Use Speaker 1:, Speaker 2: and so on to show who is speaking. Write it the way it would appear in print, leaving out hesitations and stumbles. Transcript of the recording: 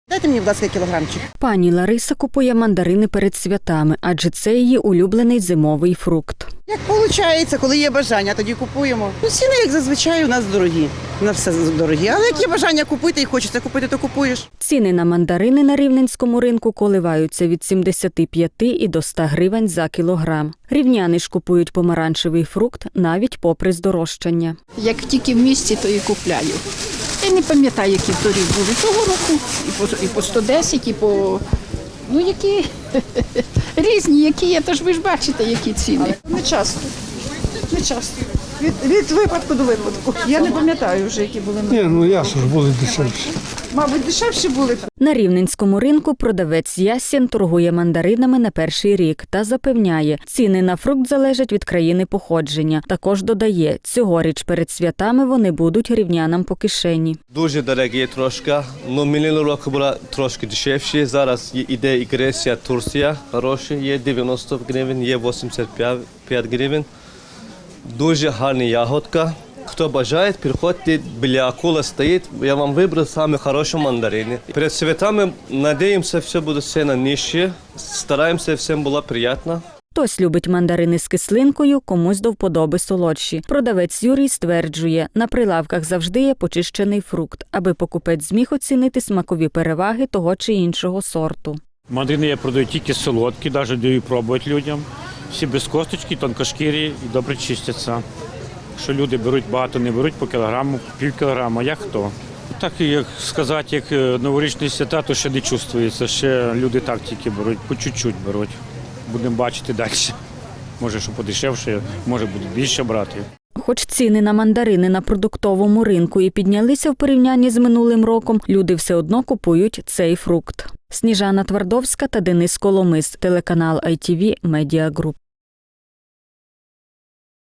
Speaker 1: Дайте мені, будь ласка, кілограмчик.
Speaker 2: Пані Лариса купує мандарини перед святами, адже це її улюблений зимовий фрукт.
Speaker 1: Як виходить, коли є бажання, тоді купуємо. Ну, ціни, як зазвичай, у нас дорогі. У нас все дорогі. Але як є бажання купити і хочеться купити, то купуєш.
Speaker 2: Ціни на мандарини на рівненському ринку коливаються від 75 і до 100 гривень за кілограм. Рівняни ж купують помаранчевий фрукт навіть попри здорожчання.
Speaker 3: Як тільки в місті, то і купляю. Я не пам'ятаю, які торік були того року. І по 110, і по... Ну, які різні, які є, тож ви ж бачите, які ціни.
Speaker 4: Не часто. Не часто. Від випадку до випадку. Я не пам'ятаю вже, які були.
Speaker 5: Ні, ну ясно ж, були дешевші.
Speaker 4: Мабуть, дешевші були.
Speaker 2: На рівненському ринку продавець Ясін торгує мандаринами на перший рік та запевняє, ціни на фрукт залежать від країни походження. Також додає, цьогоріч перед святами вони будуть рівнянам по кишені.
Speaker 6: Дуже дорогі трошки, але минулого року була трошки дешевші. Зараз іде і Греція, Турція, хороші, є 90 гривень, є 85 гривень. Дуже гарна ягодка. Хто бажає, приходьте, біля акула стоїть, я вам вибрав самі хороші мандарини. Перед святами, надіємося, все буде ціна нижче, стараємося, всім було приємно.
Speaker 2: Хтось любить мандарини з кислинкою, комусь до вподоби солодші. Продавець Юрій стверджує, на прилавках завжди є почищений фрукт, аби покупець зміг оцінити смакові переваги того чи іншого сорту.
Speaker 7: Мандарини я продаю тільки солодкі, навіть даю пробувати людям. Всі без косточки, тонкошкірі і добре чистяться. Що люди беруть багато, не беруть по кілограму, пів кілограма, як хто. Так, як сказати, як новорічні свята, то ще не чувствується, ще люди так тільки беруть, по чуть-чуть беруть. Будемо бачити далі. Може, що подешевше, може буде більше брати.
Speaker 2: Хоч ціни на мандарини на продуктовому ринку і піднялися в порівнянні з минулим роком, люди все одно купують цей фрукт. Сніжана Твардовська та Денис Коломис, телеканал ITV Media Group.